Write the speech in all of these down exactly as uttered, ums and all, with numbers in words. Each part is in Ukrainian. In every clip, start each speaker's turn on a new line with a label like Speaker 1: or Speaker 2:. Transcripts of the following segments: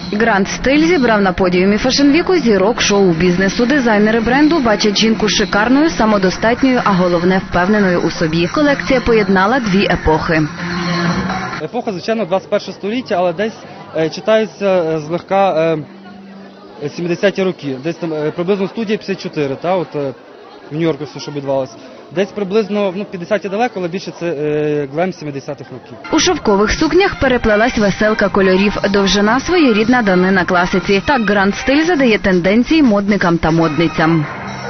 Speaker 1: Гранд Стиль зібрав на подіумі фешн-віку зірок шоу-бізнесу. Дизайнери бренду бачать жінку шикарною, самодостатньою, а головне – впевненою у собі. Колекція поєднала дві епохи.
Speaker 2: Епоха, звичайно, двадцять перше століття, але десь е, читаються злегка е, сімдесяті роки. Десь там е, приблизно студія п'ятдесят чотири, та, от, е, в Нью-Йорку все, що відбувалося. Десь приблизно, ну, п'ятдесяті далеко, але більше це е, глем сімдесятих років.
Speaker 1: У шовкових сукнях переплелась веселка кольорів. Довжина – своєрідна данина класиці. Так Гранд Стиль задає тенденції модникам та модницям.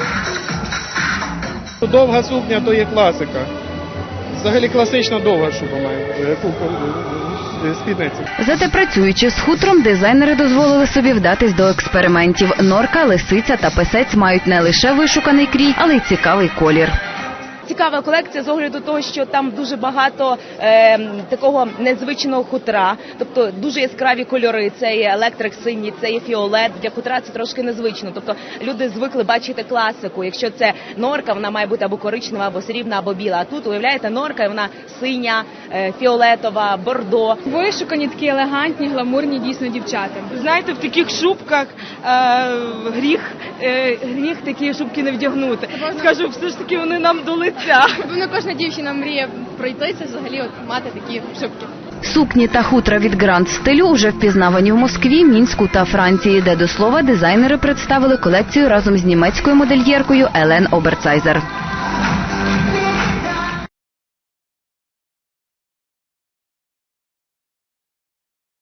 Speaker 3: Довга сукня – то є класика. Взагалі класично довга шуба має, спідниця.
Speaker 1: Зате працюючи з хутром, дизайнери дозволили собі вдатись до експериментів. Норка, лисиця та песець мають не лише вишуканий крій, але й цікавий колір.
Speaker 4: Цікава колекція з огляду того, що там дуже багато е, такого незвичного хутра, тобто дуже яскраві кольори, це є електрик синій, це є фіолет, для хутра це трошки незвично, тобто люди звикли бачити класику, якщо це норка, вона має бути або коричнева, або срібна, або біла, а тут, уявляєте, норка, і вона синя, е, фіолетова, бордо.
Speaker 5: Вишукані, такі елегантні, гламурні дійсно дівчата.
Speaker 6: Знаєте, в таких шубках е, гріх, е, гріх такі шубки не вдягнути. Скажу, все ж таки вони нам до лиця.
Speaker 5: Напевно, кожна дівчина мріє пройтися, взагалі от, мати такі шубки.
Speaker 1: Сукні та хутра від Гранд Стилю уже впізнавані в Москві, Мінську та Франції, де, до слова, дизайнери представили колекцію разом з німецькою модельєркою Елен Оберцайзер.